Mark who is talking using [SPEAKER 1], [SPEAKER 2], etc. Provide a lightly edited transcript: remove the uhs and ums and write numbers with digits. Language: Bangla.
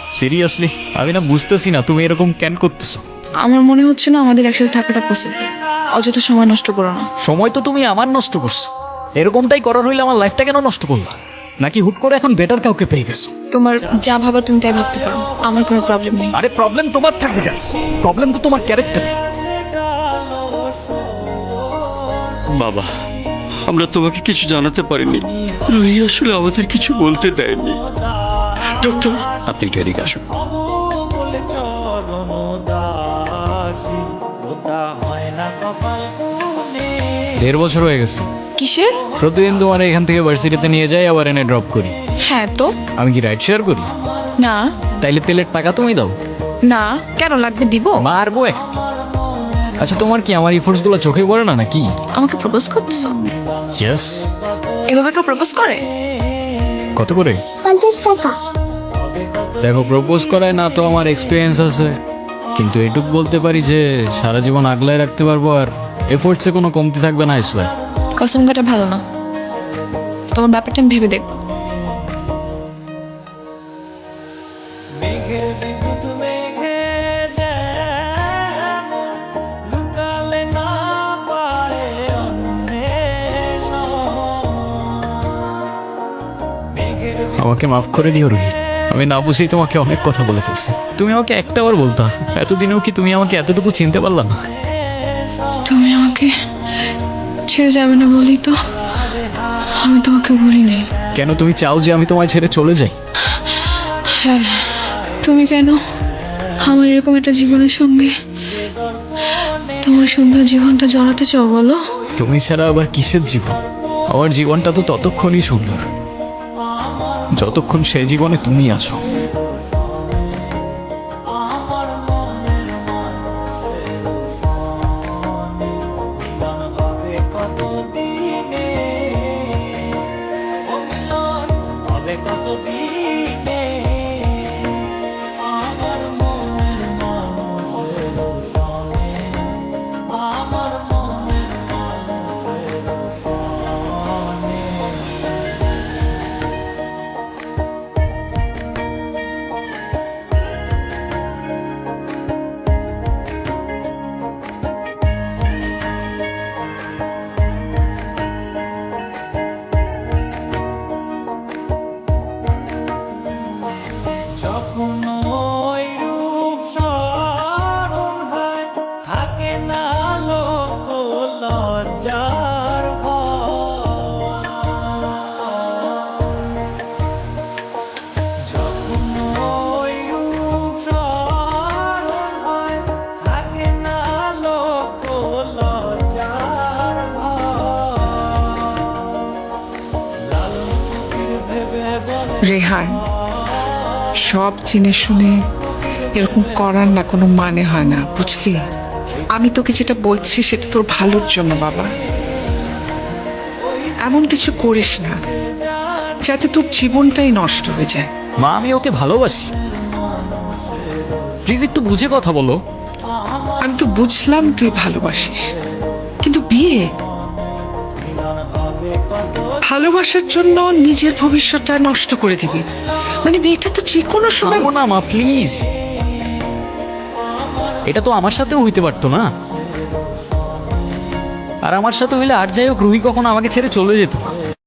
[SPEAKER 1] সিরিয়াসলি আমি না বুঝতেছি না তুমি এরকম কেন করতেছো।
[SPEAKER 2] আমার মনে হচ্ছে না আমাদের একসাথে থাকাটা পসিবল। অযথা সময় নষ্ট করো না।
[SPEAKER 1] সময় তো তুমি আমার নষ্ট করছো, এরকমটাই করার হইলে আমার লাইফটা কেন নষ্ট করলা? নাকি হুট করে এখন বেটার কাউকে পেয়ে গেছো?
[SPEAKER 2] তোমার যা ভাবার তুমি তাই ভাবতে পারো, আমার কোনো প্রবলেম নেই।
[SPEAKER 1] আরে প্রবলেম তোমার থাকবে কেন? প্রবলেম তো তোমার ক্যারেক্টার।
[SPEAKER 3] বাবা, আমরা তোমাকে কিছু জানাতে পারিনি। রুহি আসলে আমাদের কিছু বলতে দেয়নি। ডক্টর, আপনি একটু এদিকে আসুন।
[SPEAKER 1] 1.5 বছর হয়ে গেছে।
[SPEAKER 2] কিসের?
[SPEAKER 1] প্রতিদিন তোমার এখান থেকে ভার্সিটিতে নিয়ে যাই, আবার এনে ড্রপ করি।
[SPEAKER 2] হ্যাঁ তো।
[SPEAKER 1] আমি কি রাইড শেয়ার করি?
[SPEAKER 2] না
[SPEAKER 1] তাইলে তেলের টাকা তুমি দাও।
[SPEAKER 2] না, কেন লাগবে? দিব।
[SPEAKER 1] মারবো এক। আচ্ছা তোমার কি আমার ইফোর্টস গুলো চোখে পড়ে না নাকি?
[SPEAKER 2] আমাকে প্রপোজ করতেছো?
[SPEAKER 1] ইয়েস।
[SPEAKER 2] এভাবে কেউ প্রপোজ করে?
[SPEAKER 1] কত করে?
[SPEAKER 4] 50 টাকা।
[SPEAKER 1] দেখো প্রপোজ করায় না তো আমার এক্সপিরিয়েন্স আছে, কিন্তু এটুক বলতে পারি যে সারা জীবন আগলায় রাখতে পারবো, আর এফোর্টসে কোনো কমতি থাকবে না। আইসওয়ার।
[SPEAKER 2] কসম কাটা ভালো না, তোমার ব্যাপারটা আমি ভেবে দেখবো।
[SPEAKER 1] আমাকে মাফ করে দিও রুহি, আমি না বুঝেই তোমাকে অনেক কথা বলে ফেলছি। তুমি আমাকে একটাবার বলতা, এতদিনেও কি তুমি আমাকে এতটুকু চিনতে পারলা না?
[SPEAKER 2] তুমি আমাকে ছেড়ে যাবে না বলি তো আমি তোমাকে বলি নাই।
[SPEAKER 1] কেন তুমি চাও যে আমি তোমায় ছেড়ে চলে যাই?
[SPEAKER 2] হ্যাঁ, তুমি কেন আমার এরকম একটা জীবনের সঙ্গে তোমার সুন্দর জীবনটা জড়াতে চাও বলো?
[SPEAKER 1] তুমি ছাড়া আবার কিসের জীবন? আমার জীবনটা তো ততক্ষণই সুন্দর যতক্ষণ সে জীবনে তুমি আছো।
[SPEAKER 5] রেহান, সব জেনে শুনে এরকম করার না কোনো মানে হয় না, বুঝলি? আমি তোকে যেটা বলছি সেটা তোর ভালোর জন্য বাবা। এমন কিছু করিস না যাতে তোর জীবনটাই নষ্ট হয়ে যায়।
[SPEAKER 1] মা আমি ওকে ভালোবাসি, প্লিজ একটু বুঝে কথা বলো।
[SPEAKER 5] আমি তো বুঝলাম তুই ভালোবাসিস, কিন্তু বিয়ে, ভালোবাসার জন্য নিজের ভবিষ্যৎটা নষ্ট করে দিবি? মানে মেয়েটা তো যে কোনো সময়।
[SPEAKER 1] না মা প্লিজ, এটা তো আমার সাথেও হইতে পারতো না। আর আমার সাথে হইলে আর যাই হোক রুহি কখনো আমাকে ছেড়ে চলে যেত না।